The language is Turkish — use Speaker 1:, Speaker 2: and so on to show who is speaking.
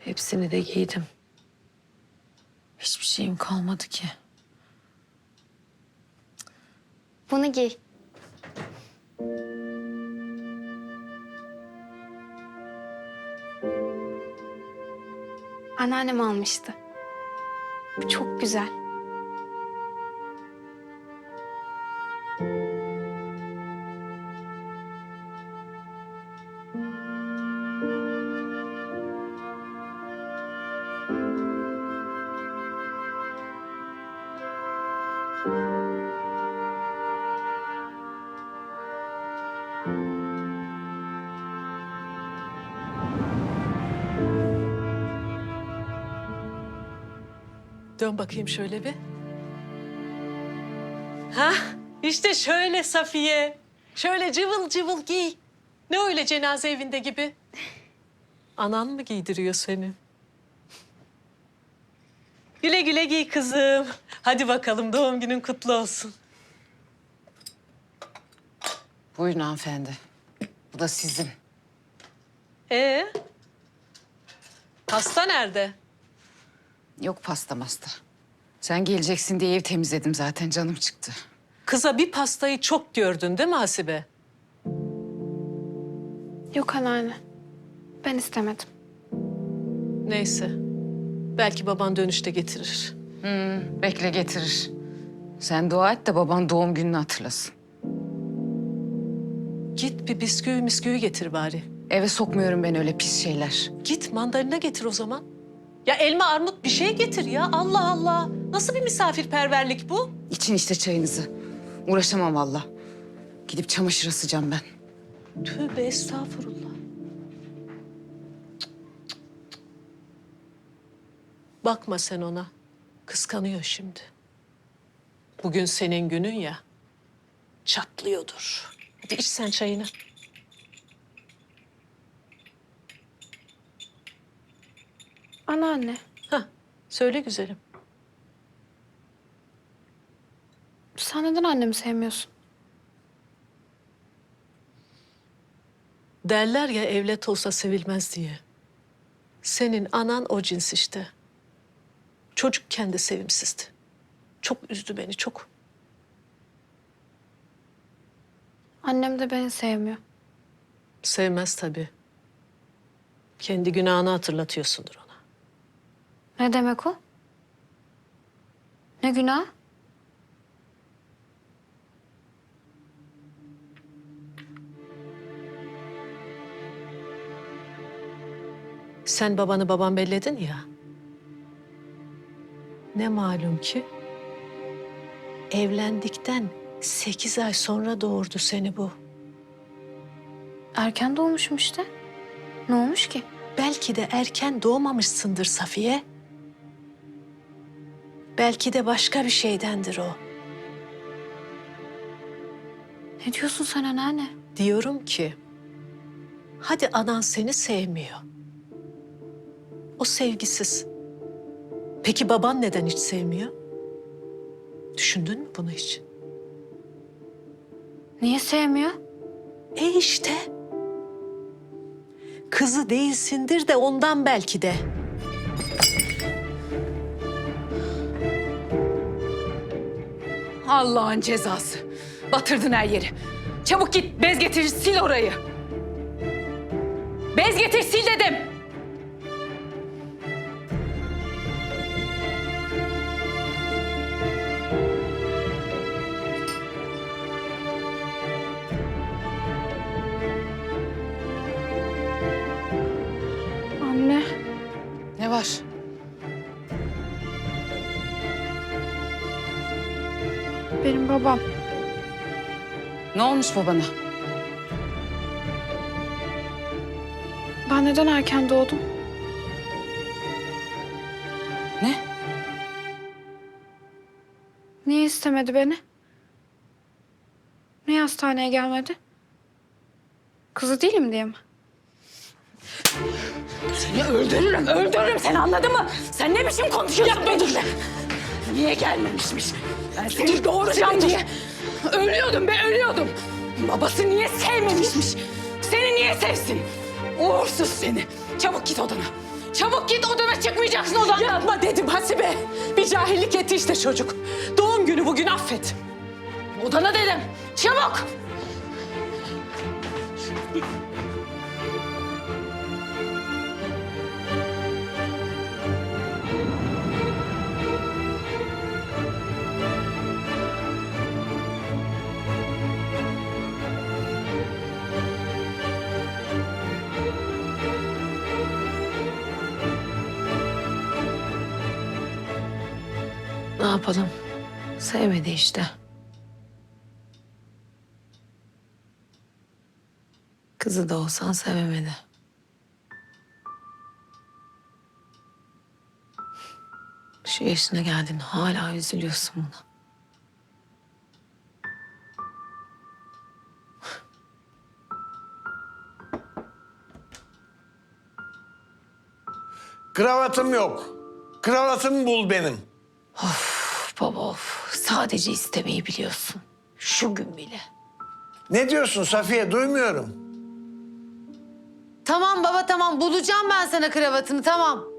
Speaker 1: Hepsini de giydim. Hiçbir şeyim kalmadı ki.
Speaker 2: Bunu giy. Anneannem almıştı. Bu çok güzel.
Speaker 3: Dön bakayım şöyle bir. Ha, işte şöyle Safiye. Şöyle cıvıl cıvıl giy. Ne öyle cenaze evinde gibi? Anan mı giydiriyor seni? Güle güle giy kızım. Hadi bakalım doğum günün kutlu olsun.
Speaker 1: Buyurun hanımefendi. Bu da sizin.
Speaker 3: Hasta nerede?
Speaker 1: Yok pasta masta. Sen geleceksin diye ev temizledim zaten, canım çıktı.
Speaker 3: Kıza bir pastayı çok gördün değil mi Hasibe?
Speaker 2: Yok anneanne. Ben istemedim.
Speaker 3: Neyse. Belki baban dönüşte getirir.
Speaker 1: Bekle getirir. Sen dua et de baban doğum gününü hatırlasın.
Speaker 3: Git bir bisküvi misküvi getir bari.
Speaker 1: Eve sokmuyorum ben öyle pis şeyler.
Speaker 3: Git mandalina getir o zaman. Ya elma armut bir şey getir ya. Allah Allah. Nasıl bir misafirperverlik bu?
Speaker 1: İçin işte çayınızı. Uğraşamam valla. Gidip çamaşır asacağım ben.
Speaker 3: Tövbe estağfurullah. Bakma sen ona. Kıskanıyor şimdi. Bugün senin günün ya. Çatlıyordur. Hadi iç sen çayını.
Speaker 2: Anneanne,
Speaker 3: Hah, söyle güzelim.
Speaker 2: sen neden annemi sevmiyorsun?
Speaker 3: Derler ya evlat olsa sevilmez diye. Senin anan o cins işte. Çocukken de sevimsizdi. Çok üzdü beni, çok.
Speaker 2: Annem de beni sevmiyor.
Speaker 3: Sevmez tabii. Kendi günahını hatırlatıyorsundur ona.
Speaker 2: Ne demek o? Ne günah?
Speaker 3: Sen babanı babam belledin ya. Ne malum ki evlendikten 8 ay sonra doğurdu seni bu.
Speaker 2: Erken doğmuşum işte. Ne olmuş ki?
Speaker 3: Belki de erken doğmamışsındır Safiye. Belki de başka bir şeydendir o.
Speaker 2: Ne diyorsun sen anneanne?
Speaker 3: Diyorum ki, hadi anan seni sevmiyor. O sevgisiz. Peki baban neden hiç sevmiyor? Düşündün mü bunu hiç?
Speaker 2: Niye sevmiyor?
Speaker 3: İşte. Kızı değilsindir de ondan belki de.
Speaker 1: Allah'ın cezası. Batırdın her yeri. Çabuk git bez getir, sil orayı. Bez getir, sil dedim.
Speaker 2: Anne,
Speaker 1: Ne var?
Speaker 2: benim babam.
Speaker 1: Ne olmuş babana?
Speaker 2: Ben neden erken doğdum?
Speaker 1: Ne?
Speaker 2: Niye istemedi beni? Niye hastaneye gelmedi? Kızı değilim diye mi?
Speaker 1: Seni öldürürüm, öldürürüm seni, anladın mı? Sen ne biçim konuşuyorsun benimle? Niye gelmemişmiş? Ben seni doğuracağım diye ölüyordum, ben ölüyordum. Babası niye sevmemişmiş? Seni niye sevsin? Uğursuz seni. Çabuk git odana. Çabuk git, odana çıkmayacaksın odandan.
Speaker 3: Yapma dedim Hasibe. Bir cahillik etti işte çocuk. Doğum günü bugün, affet.
Speaker 1: Odana dedim. Çabuk.
Speaker 4: Ne yapalım? Sevmedi işte. Kızı da olsan sevemedi. Şu yaşına geldin hala üzülüyorsun buna.
Speaker 5: Kravatım yok. Kravatımı bul benim.
Speaker 4: Of baba of. Sadece istemeyi biliyorsun. Şu gün bile.
Speaker 5: Ne diyorsun Safiye? Duymuyorum.
Speaker 4: Tamam baba tamam. Bulacağım ben sana kravatını tamam.